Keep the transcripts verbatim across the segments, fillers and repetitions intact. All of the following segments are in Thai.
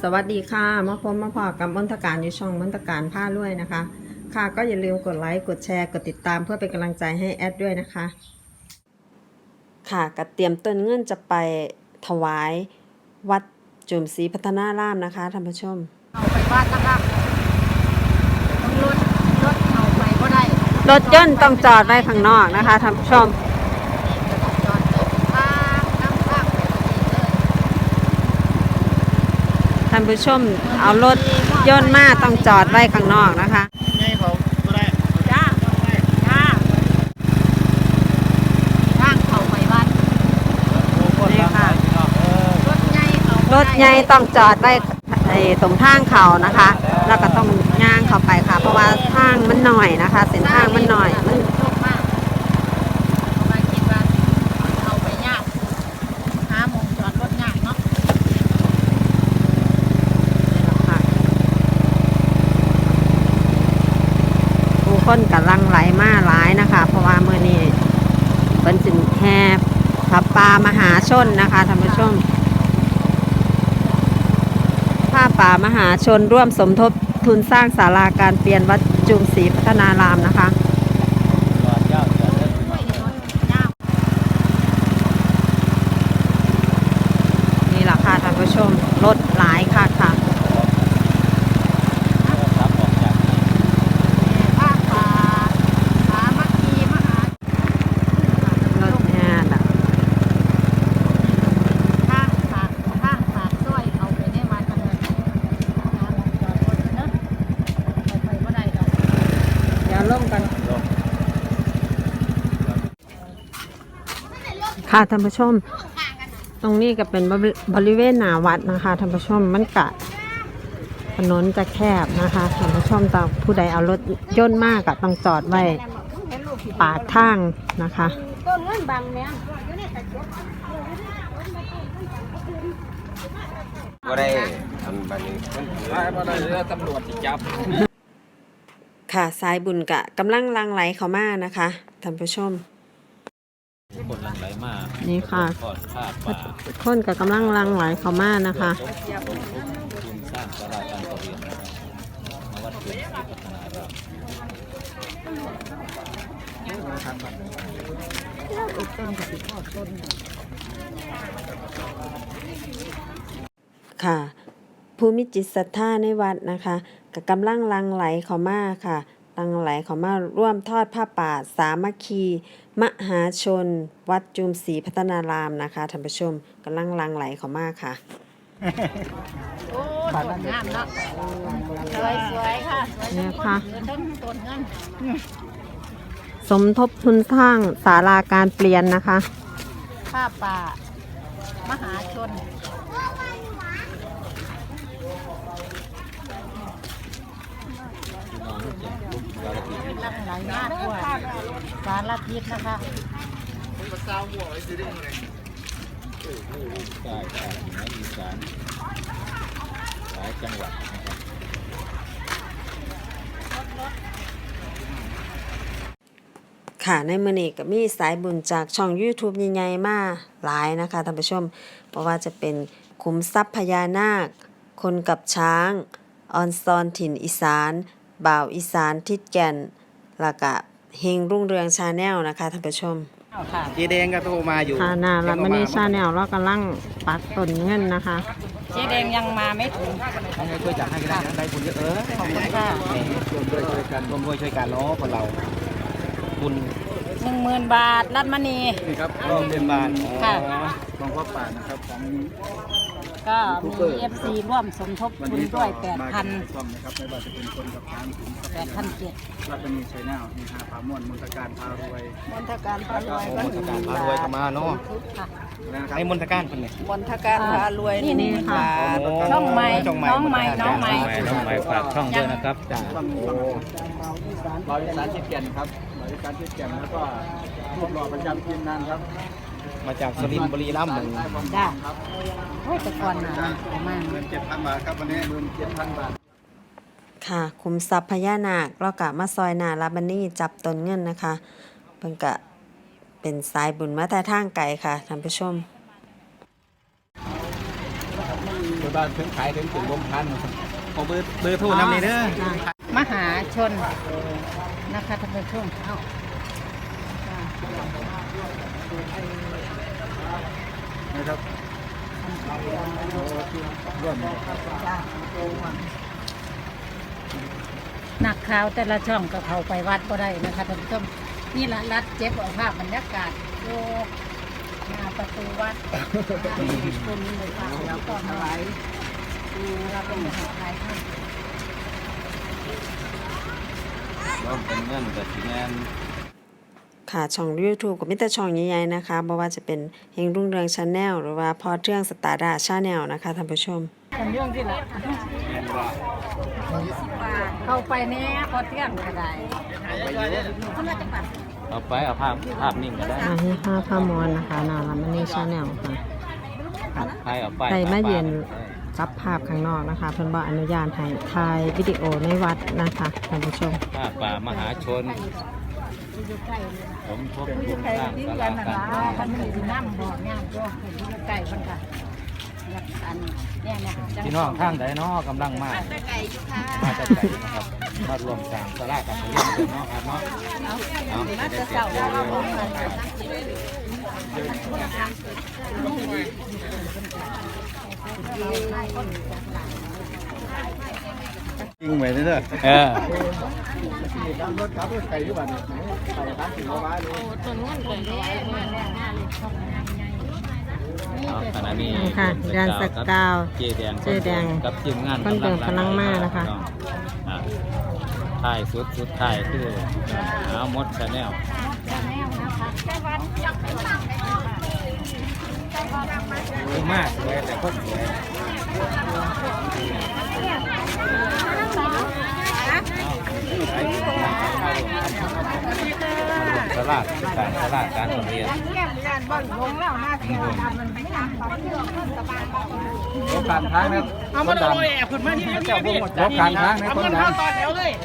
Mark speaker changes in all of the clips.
Speaker 1: สวัสดีค่ะมาพบมาพอกับมนตการอยู่ช่องมนตการผ้าด้วยนะคะค่ะก็อย่าลืมกดไลค์กดแชร์กดติดตามเพื่อเป็นกำลังใจให้แอดด้วยนะคะค่ะก็เตรียมต้นเงินจะไปถวายวัดจุมศรีพัฒนารามนะคะท่านผู้ชม
Speaker 2: เอาไปวัดนะคะต้องรถรถเอาไปก็ได้
Speaker 1: รถยนต์ต้องจอดไว้ข้างนอกนะคะท่านผู้ชม
Speaker 2: จอดทางน้ำข้าง
Speaker 1: ท่านผู้ชมเอารถยนต์มาต้องจอดไว้ข้างนอกนะคะ
Speaker 2: นี่เขาก็ได้จ้าจ้าทางเขาไปวัด
Speaker 1: นี่ค่ะ
Speaker 2: รถใหญ่เขา
Speaker 1: รถใหญ่ต้องจอดไว้ตรงทางเขานะคะแล้วก็ต้องย่างเข้าไปค่ะเพราะว่าทางมันหน่อยนะคะเส้นทางมันหน่อยมัน
Speaker 2: มากมาคิดว่าเอาไปยากหาหมองจอดรถยากเนาะ
Speaker 1: ผู้คนกำลังไหลมาหลายนะคะเพราะว่าเมื่อนี้เป็นสินแห่พระป่ามหาชนนะคะท่านผู้ชมผ้าป่ามหาชนร่วมสมทบทุนสร้างศาลาการเปลี่ยนวัดจุมศรีพัฒนารามนะคะนี่แหละค่ะท่านผู้ชมรถหลายค่ะค่ะค่ะท่านผู้ชมตรงนี้ก็เป็นบริเวณหน้าวัดนะคะท่านผู้ชมมันกะถนนจะแคบนะคะท่านผู้ชมต้องผู้ใดเอารถยนต์มากก็ต้องจอดไว้ปากทางนะคะ
Speaker 2: ต้นเงินบางแม่
Speaker 3: ก็ได้ทำแบบนี้ก็ได้เรื่องตำรวจจับ
Speaker 1: ค่ะสายบุญกะกำลังลังไหลเข้ามานะคะท่านผู้ชม
Speaker 3: คนลังไหลมา
Speaker 1: นี่ค่ะคนกับกำลังลังไหลเข้ามานะคะ
Speaker 3: ทุนสร้างศาลาการประเรียนนะครับมาวัดจุมศรีพัฒนาร
Speaker 1: ามค่ะภูมิจิตศรัทธาในวัดนะคะกับกำลังลังไหลเข้ามาค่ะลังไหลเข้ามาร่วมทอดผ้าป่าสามัคคีมหาชนวัดจุมศรีพัฒนารามนะคะท่านผู้ชมกำลังลังไหลเข้ามาค่ะ
Speaker 2: โอ้ต้นงามเนาะสวยสวยค่ะ
Speaker 1: นี่ค่ะ
Speaker 2: ต้นเงิน
Speaker 1: สมทบทุนสร้างศาลาการเปลี่ยนนะคะ
Speaker 2: ผ้าป่ามหาชนลังไหลมากกว่าสารพิษนะคะ
Speaker 3: ใช่ใช่ในอีสานหลายจังหวัดนะครับ
Speaker 1: ค่ะในมื้อนี้ก็มีสายบุญจากช่อง YouTube ใหญ่ๆมาหลายนะคะท่านผู้ชมเพราะว่าจะเป็นขุมทรัพย์พญานาคคนกับช้างออนซอนถิ่นอีสานบ่าวอีสานทิศแก่นแล้วก็เฮงรุ่งเรืองชาแนลนะคะท่านผู้ชม
Speaker 3: เจแดงก็โทรมาอยู่
Speaker 1: ค่ะนาแล้วมันนี่ชาแนลเรากำลังปักต้นเงินนะคะ
Speaker 2: เจแดงยังมาไม่ถึง
Speaker 3: ให้ช่วยจัดให้ก็ได้ได้บุญเยอะเออ
Speaker 2: ขอบคุณค่ะ
Speaker 3: ร่วมด้วยช่วยกันร่วมด้วยช่วยกันเนาะคนเราบุญ
Speaker 2: หนึ่งหมื่นบาทรัตมณี
Speaker 3: นี่ครับร่วมเป็นบาท
Speaker 2: ค่ะ
Speaker 3: ของพ่อป่านะครับของ
Speaker 2: ก็มี เอฟ ซี ร่วมสมทบทุนด้วย แปดพัน
Speaker 3: ช่องนะครับไม่ว่าจะเป็นคนกับช้างถึง
Speaker 2: แปดพันเจ็ด
Speaker 3: รัตมีชัยนาทมีหาผาม่วนมนตการพารวย
Speaker 2: มนตการพารวยก็หนึ่งหมื่นบาทมนตการพารวย
Speaker 3: ก็มาเนาะไอ้มนตการคนนี้
Speaker 2: มนตการพารวยนี่นี่ค่ะช่องใหม่น้องใหม่น้องใหม่
Speaker 3: น้องใหม่ฝากช่องด้วยนะครับจ้าบริษัททิศแก่นครับบริษัททิศแก่นแล้วก็รูปหล่อประจำทีมงานครับมาจากสุรินทร์บุรีรัมย์หนึ่ง
Speaker 2: จ้าโอ้แต่ก่อนหนาประมาณ
Speaker 3: เงินเจ็ดพันบาทครับวันนี้เงินเจ็ดพันบาท
Speaker 1: ค่ะคุมทรัพย์พญานาคเรากะมาซอยนาลาบันนี่จับต้นเงินนะคะเพิ่นกะเป็นสายบุญมาแต่ทางไกลค่ะท่านผู้ชม
Speaker 3: บ้านถึงขายถึงถึงวงพันขอเบอร์เบอร์โทรนำเลยเด้อ
Speaker 2: มหาชนนะคะท่านผู้ชมเอ้า
Speaker 3: นะครับร่วม
Speaker 2: นักข่าวแต่ละช่องก็เข้าไปวัดก็ได้นะคะท่านผู้ชมนี่ละรัดเจ็บเอาภาพบรรยากาศโยกหน้าประตูวัดคนเลยค่ะแล้วก็มาไหลดูเราเป็นมหาลัยท่าน
Speaker 3: ร่วมเป็นเงินกับทีแนน
Speaker 1: ค่ะช่อง YouTube ก็มีแต่ช่องใหญ่ๆนะคะบ่ว่าจะเป็นเฮงรุ่งเรือง Channel หรือว่าพอเทื่องสตาร์ดา Channel นะคะท่านผู้ชม
Speaker 2: เป็นเรื่องที่ละเข้าไปแน่พอเที่ยงก็ได้เขามาจากบ้าน
Speaker 3: เอาไปเอาภาพภาพนิ่งก็ได้
Speaker 1: อาให้ห้าพามอนนะคะนาลามันนี่ชาแนลค่ะ
Speaker 3: ใครเอาไป
Speaker 1: ใครมาเยือนจับภาพข้างนอกนะคะเพิ่นบ่อนุญาตให้ถ่ายวิดีโอในวัดนะคะท่านผู้ชม
Speaker 3: ภาพป่ามหาชน
Speaker 2: อยู่ใกล้เลย
Speaker 3: สมทบ
Speaker 2: อ
Speaker 3: ทุ
Speaker 2: ยู่
Speaker 3: น
Speaker 2: ใกล้
Speaker 3: สร้าง
Speaker 2: ที่
Speaker 3: ศา
Speaker 2: กั
Speaker 3: ลาน
Speaker 2: นะ
Speaker 3: การ
Speaker 2: คะท่านมีน้ำบอกงานก็อยู่ใกล้มันค่ะอยากอันเนี่ยเนี่ย
Speaker 3: พี่น้องทางใดเนาะกำลังมา
Speaker 2: ไก่อยู่ค่ะ
Speaker 3: มาจากไหนนะครับมารวมสร้างศาลาการประเรียนกันเนาะครับเนาะเอา
Speaker 2: มาจะเสาแล้วเราบอกกัน
Speaker 3: จริงไว้เด้อเออรถขับรถไก่อยู่บ้านนี่ไปร้านถึงเอาไว้เลย
Speaker 2: ต้นเงินเลยเนี่ยเนี่ยเนี่ยเลยช่องงานใหญ่
Speaker 3: เอาขณะนี้
Speaker 1: นี่ค่ะแดนสกาว
Speaker 3: เจแดง
Speaker 1: เจแดง
Speaker 3: กับทีมงาน
Speaker 1: คนเดินกำลังมานะคะ
Speaker 3: อ่าท้ายสุดสุดท้ายคือเอาหมดชาแนล ดีมากสวยแต่ก็สวยสลาดการสลาดการเรียนรถการทางนะเอามาดูแอบขึ้นมาที่นี่เจ้าพวกรถการทางในคนดังตอนเดียวเลย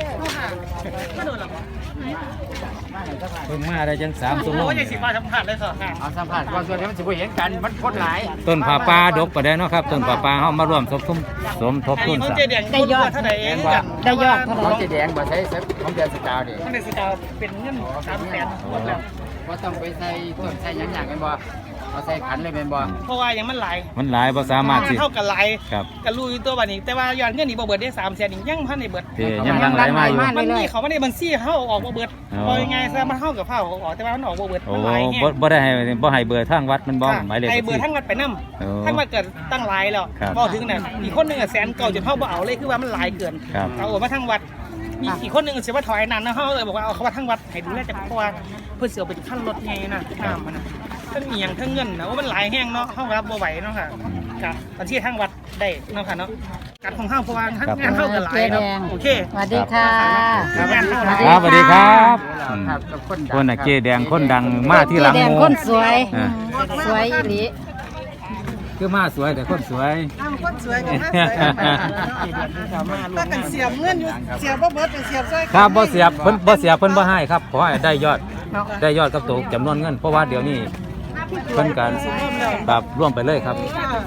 Speaker 3: เพิ่งมาได้จังสามชั่วโมง
Speaker 4: เอาสัมผัสก่อนส่วนที่มันสิบ่เห็นกันมันคนหลาย
Speaker 3: ต้นผาป่าดกก็ได้เนาะครับต้นผาป่าเฮามารวมสมทบสมทบทุนสร้าง
Speaker 2: ได้ยอดเท่าไหร่เองได้ยอดเท่าไห
Speaker 4: ข
Speaker 2: ร่
Speaker 4: องสีแดงบ่ใช้ของเดือนสกาวดิ
Speaker 5: ท่านในสกาวเป็นเงินสามแสนหมดแล้ว
Speaker 4: ว่าต้องไปใส่ต้นใส่หยังอย่างกันบ่เอาใส่ขันเลยเป็นบ่
Speaker 5: เพราะว่ายังมันหลาย
Speaker 3: มันหลายบ่สามารถสิ
Speaker 5: เท่ากับหลาย
Speaker 3: ครับ
Speaker 5: กับรู้อยู่ตัวบัดนี้ แต่ว่ายอดเงินนี่บ่เบิดได้สามแสนอีกยังพันในเบิด
Speaker 3: ที่ยังลังไหลมาอยู่
Speaker 5: มันมีเขาไม่ได้บัญชีเขาเอาออกบ่เบิด
Speaker 3: อ๋อ
Speaker 5: พอยังไงซะมันเท่ากับเท่าเอาออกแต่ว่ามันออกบ่เบิด
Speaker 3: โอ้
Speaker 5: มันหลายแฮ
Speaker 3: บ่
Speaker 5: ง
Speaker 3: บ่ได้ให้บ่ให้เบอร์ทางวัดมันบ่หมายเลข
Speaker 5: ไอ้
Speaker 3: บัญ
Speaker 5: เบิด
Speaker 3: ชี
Speaker 5: ทั้งวัดไปนำ
Speaker 3: โอ้
Speaker 5: ทั้งวัดเกิดตั้งหลายแล้ว
Speaker 3: ครับ
Speaker 5: พอถึงน่ะอีกคนหนึงอ่ะแสนเก่าจนเฮาบ่เอาเลยคือว่ามันหลายเกิน
Speaker 3: ครับ
Speaker 5: เอาออกมาทั้งวัดมีอีกคนหนึงสิว่าถอยนานนะเฮาเลยบอกว่าเอาเขาว่าทั้งวัดให้ดูแลจักเพราะว่าเพิ่นสิเอาเป็นขั้นรถไงนะน้ำมันน่ะทั้งเอียงทั้งเงินนะว่ามันหลายแฮงเนาะเฮารับบ่ไหวเนาะค่ะกะบัญชีทางวัดได้เนาะค่ะเนาะการของเฮาเพราะว่าทั้งงานเฮาก็หลายเนาะโอเค
Speaker 2: สวัสดีค่ะ
Speaker 5: ครับงานเฮาหลาย
Speaker 3: ครับสวัสดีครับอืม
Speaker 4: ครับกับคนดัง
Speaker 3: คนน่ะเจแดงคนดังมาที่หลัง
Speaker 2: แด
Speaker 3: ห
Speaker 2: ง
Speaker 3: มู่
Speaker 2: คนสวย
Speaker 3: อ่า
Speaker 2: สวยอีหลี
Speaker 3: คือมาสวยแต่คนสวย
Speaker 6: คนสวยกับมาสวยถ้ากันเสียบเงินอยู่เสียบบ่เบิดเสียบซอย
Speaker 3: ครับบ่เสียบเพิ่นบ่เสียบเพิ่นบ่ให้ครับขอให้ได้ยอดได้ยอดกับตัวจำนวนเงินเพราะว่าเดี๋ยวนี้เพิ่นการแบบร่วมไปเลยครับ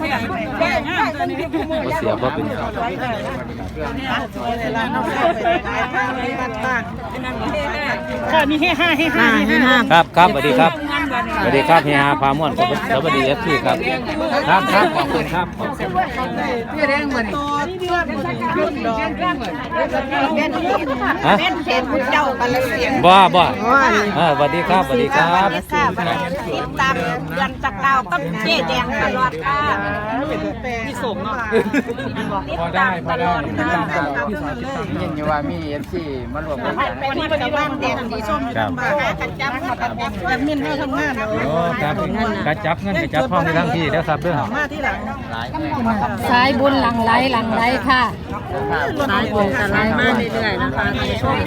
Speaker 3: บ่เสียบบ่เป็นครับ
Speaker 6: สวยเลยล่ะน้องไปขายข้าวในวัดบ้าน
Speaker 5: ค่ะมีให้ห้าให้ห้า
Speaker 1: ห้า
Speaker 5: ให้
Speaker 1: ให้
Speaker 5: ห้า
Speaker 1: ห้า
Speaker 3: ครับครับสวัสดีครับสวัสดีครับเฮียพาม่วนครับสวัสดี เอฟ ซี ครับครับครับขอบคุณครับขอบคุณ
Speaker 6: พี่แดงเหมือนตัวเพื่อนเพื่อนดอกเป็น
Speaker 3: ฮะ
Speaker 6: เห็นเจ้ากันเลยเสียง
Speaker 3: บ่บ่เออสวัสดีครับสวัสดีครับ
Speaker 6: ติดตามเดือนจักดาวกับเจ๊แดงตลอดค่ะพี่สมเนาะ
Speaker 3: พอได้พอได้
Speaker 4: ยินอยู่ว่ามี เอฟ ซี มารวมกัน
Speaker 6: วันนี้เป็นว่างแดงสีส้มอยู่บ้านกันจับกันจับแอดมินเฮาทำงานเนาะ
Speaker 3: โอ้ครับกระจับเงินกระจับห้องในทั้งที่เด้อครับเด้อ
Speaker 6: มาที่หลัง
Speaker 4: หลายเลย
Speaker 2: สายบุญหลังไหลหลังไหลค่ะ
Speaker 1: สายบุญกันไล่มาเรื่อยๆนะคะท่านผู้ชม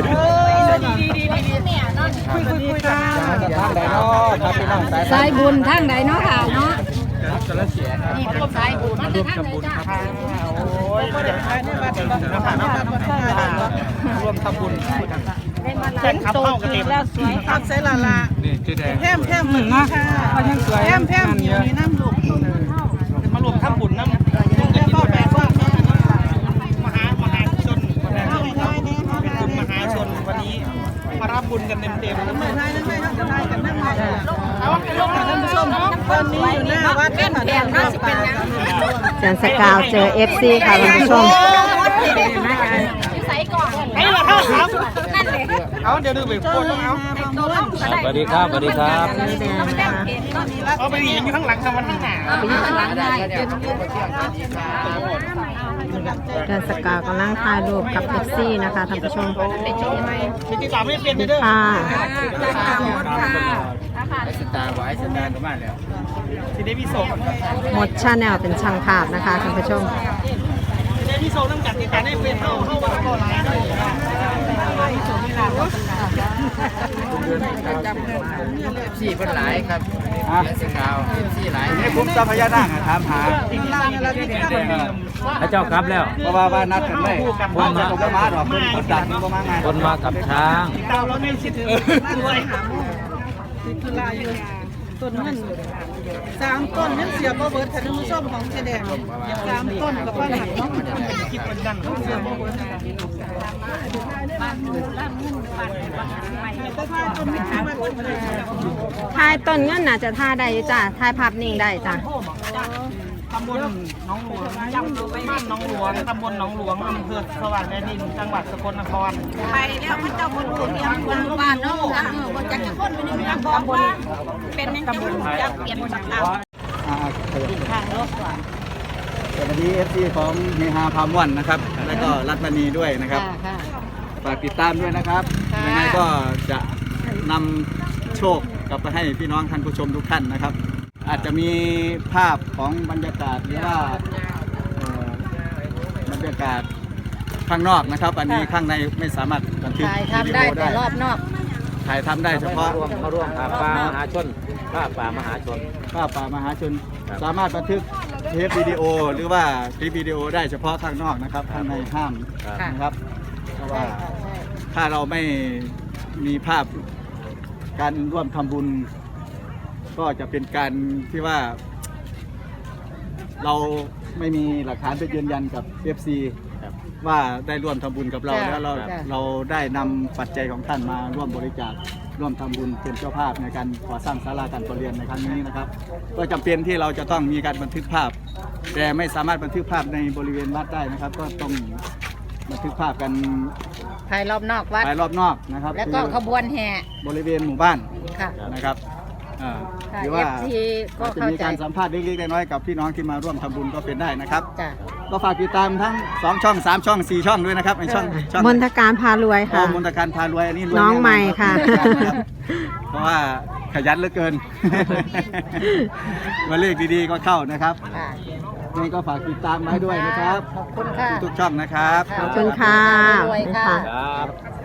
Speaker 6: คุยคุยคุยกัน
Speaker 3: ทางใดเนาะครับพี่น้องสาย
Speaker 2: สายบุญทางใดเนาะค่ะเนาะ
Speaker 3: กระเสียครับ
Speaker 2: นี่เป็นสายบุญมาจากทางใดจ้า
Speaker 6: โอ้ยเดี๋ยวใช้ในวัดบ้านนะคะน้องบ้านบ้าน
Speaker 5: รวมทำบุญ
Speaker 2: เห็นโตขึ้นแล้วสวย
Speaker 6: ครับใส่ละละ
Speaker 3: นี่ชื่อแดง
Speaker 6: แพมแพมเหมือนนะแพมแพมอยู่ในน้ำลูก
Speaker 5: มารวมทำบุญน้ำ
Speaker 1: อนสกาวเจอ เอฟ ซี ค่ะท่านผู้ชม
Speaker 5: ไอ้ละครับครับเอาเดี๋ยวดูไปโคตรเอา
Speaker 3: สวัสดีครับสวัสดีครับ
Speaker 5: เอาไปยิงอยู่ข้างหลังครับมันข้างหน้า
Speaker 1: เดือนสกาวกำลังถ่ายรูปกับ เอฟ ซี นะคะท่านผู้ชม
Speaker 5: มีติดตามไม่เปลี่ยนเด้อ
Speaker 1: ค่ะ
Speaker 4: ไอ้สตาร์บอกไอ้สตาร์ก็มาแล้ว
Speaker 5: สิได้พี่โซ
Speaker 1: หมดชาแนลเป็นช่างภาพนะคะท่านผู้ชม
Speaker 5: สิได้พี่โซต้องจัดติดตามให้เปลี่ยนเข้าเข้าวันก่อนไลน์ด้วย
Speaker 4: สี่คนหลายครับเดือนสกาวสี่หลาย
Speaker 3: นี่ผมทรัพยานาคถามหา
Speaker 4: พระเจ้ากลับแล้ว
Speaker 3: เพราะว่าว่านัดกันเลยว่าจะตกมาหรอกคนคนดักมันก็มาไง
Speaker 4: คนมากับช้าง
Speaker 5: ติดตามเราไม่คิดถึงด้วย
Speaker 6: ต้นมันสามต้นนั่นเสียบ่เบิดท่านผู้ชมของเจแดงสามต้นกับว่าหลังเนาะ
Speaker 5: คิดเหมือนกัน
Speaker 6: เสียบ่เบิดแต่ถ้าต้นไม่ขายมันก็ได้
Speaker 1: ถ่ายต้นเงินน่าจะถ่ายได้อยู่จ้ะถ่ายภาพนิ่งได้จ้ะ
Speaker 5: ตำบลหนองหลวงบ้านหนองหลวงตำบลหนองหลวงอำเภอสว่างแดนดินจังหวัดสกลนคร
Speaker 6: ไปแล้วพระเจ้าคนรู้เรียนคนบ้านเนาะเออบ่จักจะคนไปนี่ตำบลว่าเป็นยังจังจักเปลี่ยนจากเอา
Speaker 3: ข้างรถก่อนสวัสดี เอฟ ซี ของเฮฮาพามวันนะครับ แล้วก็รัตมณีด้วยนะครับฝากติดตามด้วยนะครับยังไงก็จะนำโชคกลับไปให้พี่น้องท่านผู้ชมทุกท่านนะครับ อาจจะมีภาพของบรรยากาศหรือว่าเอ่อบรรยากาศข้างนอกนะครับ อันนี้ข้างในไม่สามารถบันทึก
Speaker 2: ถ่าย
Speaker 3: วิ
Speaker 2: ทำ
Speaker 3: ดี
Speaker 2: ได้
Speaker 3: โอ
Speaker 2: แต่
Speaker 3: ได้
Speaker 2: รอบนอก
Speaker 3: ถ่ายทำได้เฉพาะ
Speaker 4: มาร่วมภาพป่ามหาชนภาพป่ามหาชน
Speaker 3: ภาพป่ามหาชน
Speaker 4: ครับ
Speaker 3: สามารถบันทึกเทปวิดีโอหรือว่าคลิปวิดีโอได้เฉพาะข้างนอกนะครับข้างในห้าม
Speaker 4: ครับ
Speaker 3: นะครับเพราะว่าถ้าเราไม่มีภาพการร่วมทำบุญ ก็จะเป็นการที่ว่า เราไม่มีหลักฐานไปยืนยันกับ เอฟ ซี
Speaker 4: ครับ
Speaker 3: ว่าได้ร่วมทำบุญกับเรา
Speaker 2: จ้ะ
Speaker 3: แล้วเรา
Speaker 2: จ้ะ
Speaker 3: เราได้นำปัจจัยของท่านมาร่วมบริจาคร่วมทำบุญเป็นเจ้าภาพในการก่อสร้างศาลาการประเรียนในครั้งนี้นะครับ ก็จำเป็นที่เราจะต้องมีการบันทึกภาพ แต่ไม่สามารถบันทึกภาพในบริเวณวัดได้นะครับ ก็ต้องบันทึกภาพกัน
Speaker 2: ถ่ายรอบนอกวัด
Speaker 3: ภายรอบนอกนะครับ
Speaker 2: แล้วก็ขบวนแห่
Speaker 3: บริเวณหมู่บ้าน
Speaker 2: ค่ะ
Speaker 3: นะครับอ่า
Speaker 2: ค่ะ
Speaker 3: หรือว่า
Speaker 2: เอฟ ซี ก็
Speaker 3: อาจจะ
Speaker 2: เข้า
Speaker 3: มี
Speaker 2: ใจ
Speaker 3: การสัมภาษณ์เล็กๆน้อยๆกับพี่น้องที่มาร่วมทำบุญก็เป็นได้นะครับ
Speaker 2: จ้ะ
Speaker 3: ก็ฝากติดตามทั้งสองช่องสามช่องสี่ช่องด้วยนะครับไอช่องช่อง
Speaker 1: มนทการพารวย
Speaker 3: อ๋อ
Speaker 1: ค่ะ
Speaker 3: มนตการพารวยอันนี้รวย
Speaker 1: น้องใหม่ค่ะ
Speaker 3: แน่นอนครับเพราะว่าขยันเหลือเกิน มาเลขดีๆก็เข้านะครับ
Speaker 2: ค่ะ
Speaker 3: นี่ก็ฝากติดตามไว้ด้วยนะครับ
Speaker 2: ขอบคุณค่ะ
Speaker 3: ทุกๆช่องนะครับ
Speaker 1: ขอบคุณค่ะ
Speaker 2: รวยค่ะ
Speaker 4: ครับ